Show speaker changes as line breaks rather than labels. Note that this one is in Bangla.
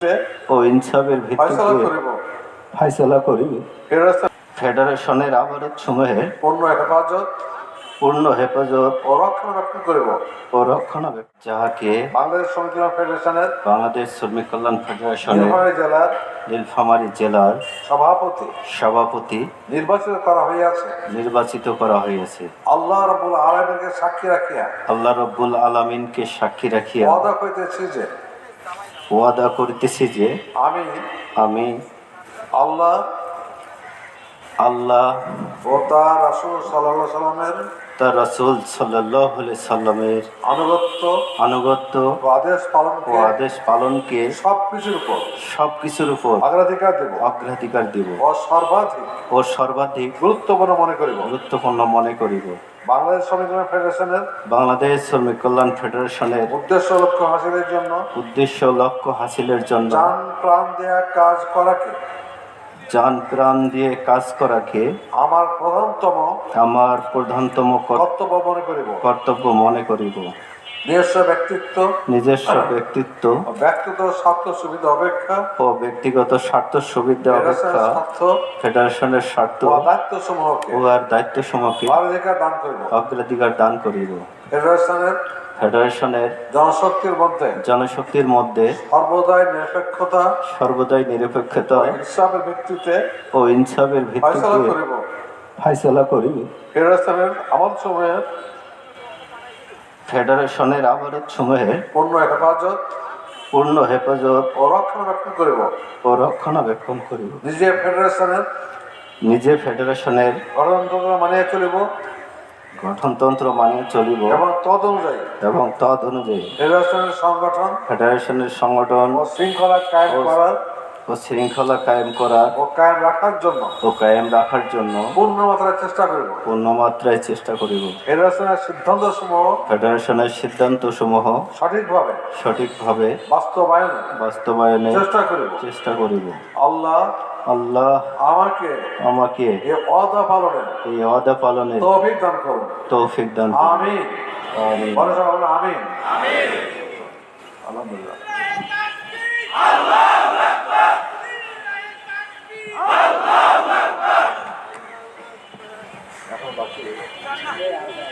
ও ইনসাফের ভিত্তিতে ফাইসালা করিবে। ফেডারেশনের আবাদতসমূহের পূর্ণ হেফাজত
ও রক্ষণাবেক্ষণ করিব
যাহাকে
বাংলাদেশ শ্রমিক কল্যাণ ফেডারেশনের
নীলফামারী জেলার সভাপতি
নির্বাচিত করা হইয়াছে।
আল্লাহ রব্বুল আলামিনকে সাক্ষী রাখিয়া ওয়াদা করিতেছি যে আমি
আল্লাহ ও তার রাসূল সাল্লাল্লাহু আলাইহি সাল্লামের
তার রাসূল সাল্লাল্লাহু আলাইহি সাল্লামের আনুগত্য
ও আদেশ পালনকে
সবকিছুর উপর অগ্রাধিকার দেব ও সর্বাধিক গুরুত্বপূর্ণ মনে করিব।
বাংলাদেশ শ্রমিক কল্যাণ ফেডারেশনের
শ্রমিক কল্যাণ ফেডারেশনের উদ্দেশ্য লক্ষ্য হাসিলের জন্য জান প্রাণ দিয়ে কাজ করাকে
আমার
প্রধানতম কর্তব্য মনে করিব।
নিজস্ব ব্যক্তিত্ব
ও ব্যক্তিগত স্বার্থ সুবিধা অপেক্ষা ফেডারেশনের স্বার্থ ও আর দায়িত্বসমূহকে অগ্রাধিকার দান করিব। ফেডারেশনের জনশক্তির মধ্যে সর্বদাই নিরপেক্ষতা ও ইনসাফের ভিত্তিতে ফাইসালা করিবে। ফেডারেশনের আবাদতসমূহের পূর্ণ হেফাজত
ও রক্ষণাবেক্ষণ
করিব।
নিজে ফেডারেশনের
গঠনতন্ত্র মানিয়ে চলিব
এবং তদ অনুযায়ী
ফেডারেশনের সংগঠন
ও
শৃঙ্খলা কায়েম করার
ও
কায়েম রাখার জন্য
পূর্ণমাত্রায় চেষ্টা করিব।
ফেডারেশনের সিদ্ধান্তসমূহ সঠিকভাবে বাস্তবায়নে চেষ্টা করিব। আল্লাহ আমাকে এই ওয়াদা পালনের তৌফিক দান করুন।
আমিন।
আলহামদুলিল্লাহ। এখন বাকি